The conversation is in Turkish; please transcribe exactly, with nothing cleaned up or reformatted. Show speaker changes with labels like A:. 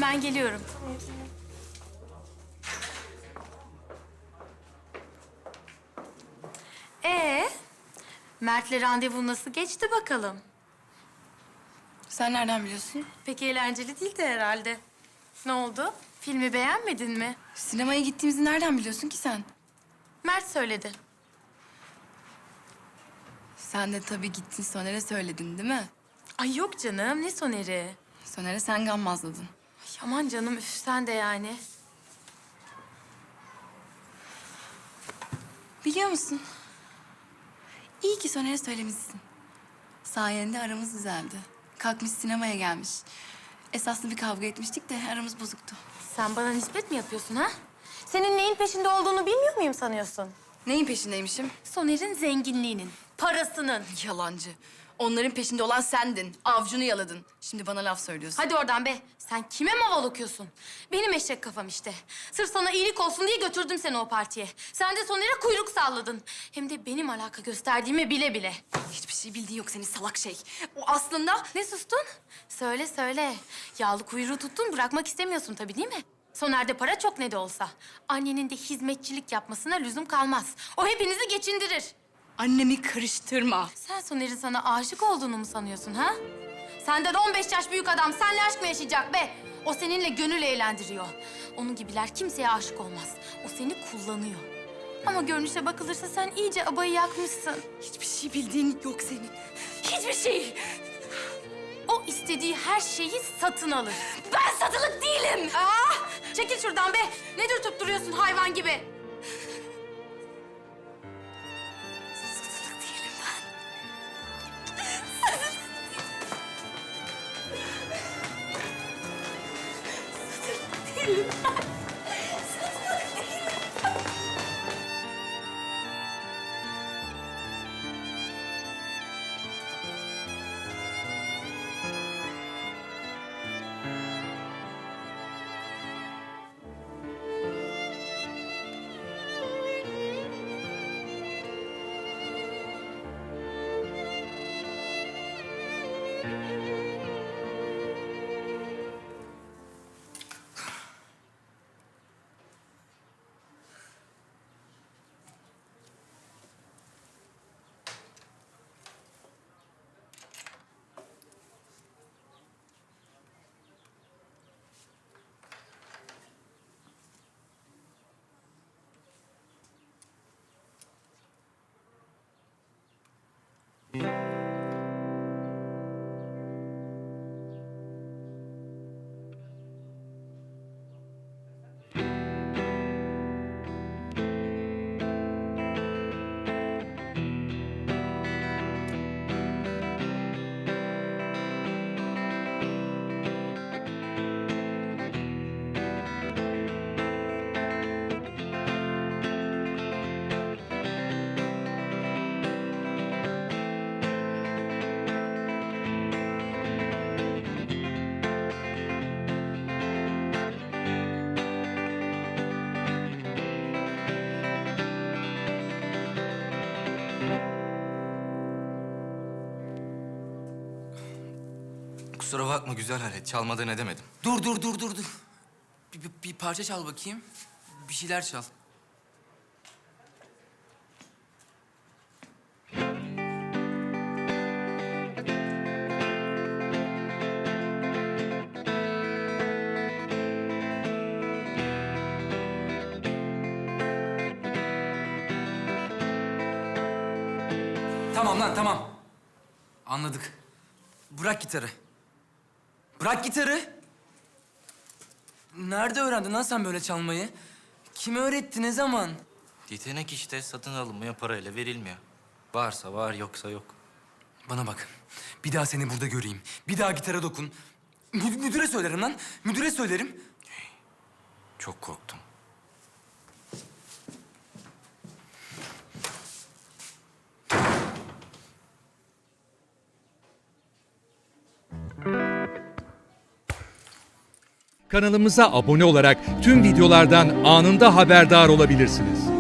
A: Tamam, ben geliyorum. Ee, Mert'le randevu nasıl geçti bakalım?
B: Sen nereden biliyorsun?
A: Pek eğlenceli değildi herhalde. Ne oldu? Filmi beğenmedin mi?
B: Sinemaya gittiğimizi nereden biliyorsun ki sen?
A: Mert söyledi.
B: Sen de tabii gittin Soner'e söyledin değil mi?
A: Ay yok canım, ne Soner'i?
B: Soner'e sen gammazladın.
A: Ay aman canım, üf sen de yani.
B: Biliyor musun? İyi ki Soner'e söylemişsin. Sayende aramız düzeldi. Kalkmış sinemaya gelmiş. Esaslı bir kavga etmiştik de aramız bozuktu.
A: Sen bana nispet mi yapıyorsun ha? Senin neyin peşinde olduğunu bilmiyor muyum sanıyorsun?
B: Neyin peşindeymişim?
A: Soner'in zenginliğinin, parasının.
B: Yalancı. Onların peşinde olan sendin. Avcunu yaladın. Şimdi bana laf söylüyorsun.
A: Hadi oradan be. Sen kime maval okuyorsun? Benim eşek kafam işte. Sırf sana iyilik olsun diye götürdüm seni o partiye. Sen de Soner'e kuyruk salladın. Hem de benim alaka gösterdiğimi bile bile.
B: Hiçbir şey bildiğin yok senin salak şey. O aslında...
A: Ne sustun? Söyle söyle. Yağlı kuyruğu tuttun, bırakmak istemiyorsun tabii değil mi? Soner'de para çok ne de olsa. Annenin de hizmetçilik yapmasına lüzum kalmaz. O hepinizi geçindirir.
B: Annemi karıştırma.
A: Sen Soner'in sana aşık olduğunu mu sanıyorsun ha? Senden on beş yaş büyük adam seninle aşk mı yaşayacak be? O seninle gönül eğlendiriyor. Onun gibiler kimseye aşık olmaz. O seni kullanıyor. Ama görünüşe bakılırsa sen iyice abayı yakmışsın.
B: Hiçbir şey bildiğin yok senin. Hiçbir şey.
A: O istediği her şeyi satın alır.
B: Ben satılık değilim.
A: Aa, çekil şuradan be. Ne dürtüp duruyorsun hayvan gibi?
B: Satılık değilim ben. Satılık değilim ben. Satılık değilim.
C: Kusura bakma güzel alet. Çalmadan edemedim.
D: Dur, dur, dur, dur, dur. Bir, bir, bir parça çal bakayım. Bir şeyler çal. Tamam lan, tamam. Anladık. Bırak gitarı. Bırak gitarı. Nerede öğrendin lan sen böyle çalmayı? Kim öğretti, ne zaman?
C: Yetenek işte satın alınmıyor, parayla verilmiyor. Varsa var, yoksa yok.
D: Bana bak. Bir daha seni burada göreyim. Bir daha gitara dokun. Mü- müdüre söylerim lan. Müdüre söylerim.
C: Çok korktum.
E: Kanalımıza abone olarak tüm videolardan anında haberdar olabilirsiniz.